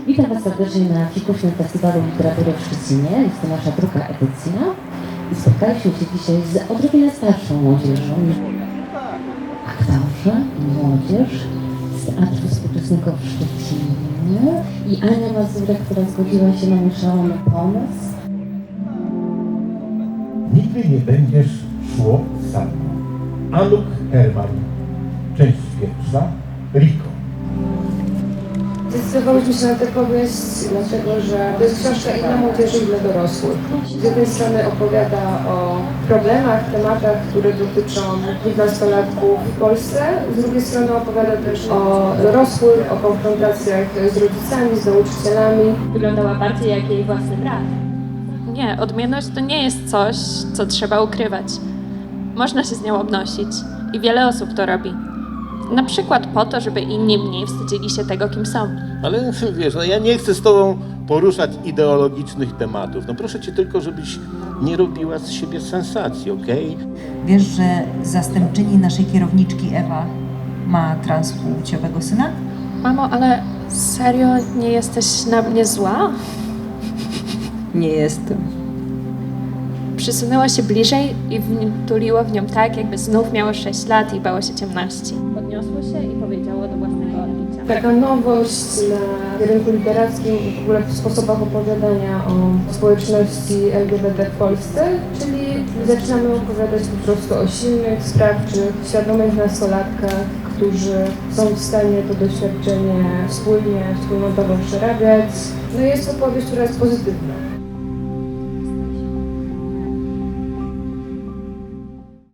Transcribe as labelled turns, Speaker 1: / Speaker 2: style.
Speaker 1: Witam Was serdecznie na Fikuśnym Festiwalu Literatury w Szczecinie. Jest to nasza druga edycja. I spotkaliśmy się dzisiaj z odrobinę starszą młodzieżą. Aktorzy i młodzież z Teatru Współczesnego w Szczecinie. I Ania Mazurek, która zgodziła się na mój szalony pomysł.
Speaker 2: Nigdy nie będziesz szło sam. Anuk Herman. Część pierwsza. Riko.
Speaker 3: Zdecydowałyśmy się na tę powieść, dlatego że to jest książka i dla młodzieży, i dla dorosłych. Z jednej strony opowiada o problemach, tematach, które dotyczą 15-latków w Polsce. Z drugiej strony opowiada też o dorosłych, o konfrontacjach z rodzicami, z nauczycielami.
Speaker 4: Wyglądała bardziej jak jej własny brat.
Speaker 5: Nie, odmienność to nie jest coś, co trzeba ukrywać. Można się z nią obnosić i wiele osób to robi. Na przykład po to, żeby inni mniej wstydzili się tego, kim są.
Speaker 6: Ale wiesz, no ja nie chcę z tobą poruszać ideologicznych tematów. No proszę cię tylko, żebyś nie robiła z siebie sensacji, okej?
Speaker 7: Wiesz, że zastępczyni naszej kierowniczki Ewa ma transpłciowego syna?
Speaker 5: Mamo, ale serio nie jesteś na mnie zła?
Speaker 7: Nie jestem.
Speaker 5: Przysunęła się bliżej i tuliło w nią tak, jakby znów miało 6 lat i bało się ciemności. Podniosło się i powiedziało do własnego odbicia.
Speaker 3: Taka nowość na rynku literackim i w ogóle w sposobach opowiadania o społeczności LGBT w Polsce, czyli zaczynamy opowiadać po prostu o silnych, sprawczych, świadomych nastolatkach, którzy są w stanie to doświadczenie wspólnotowo przerabiać. No i jest to powieść, która jest pozytywna.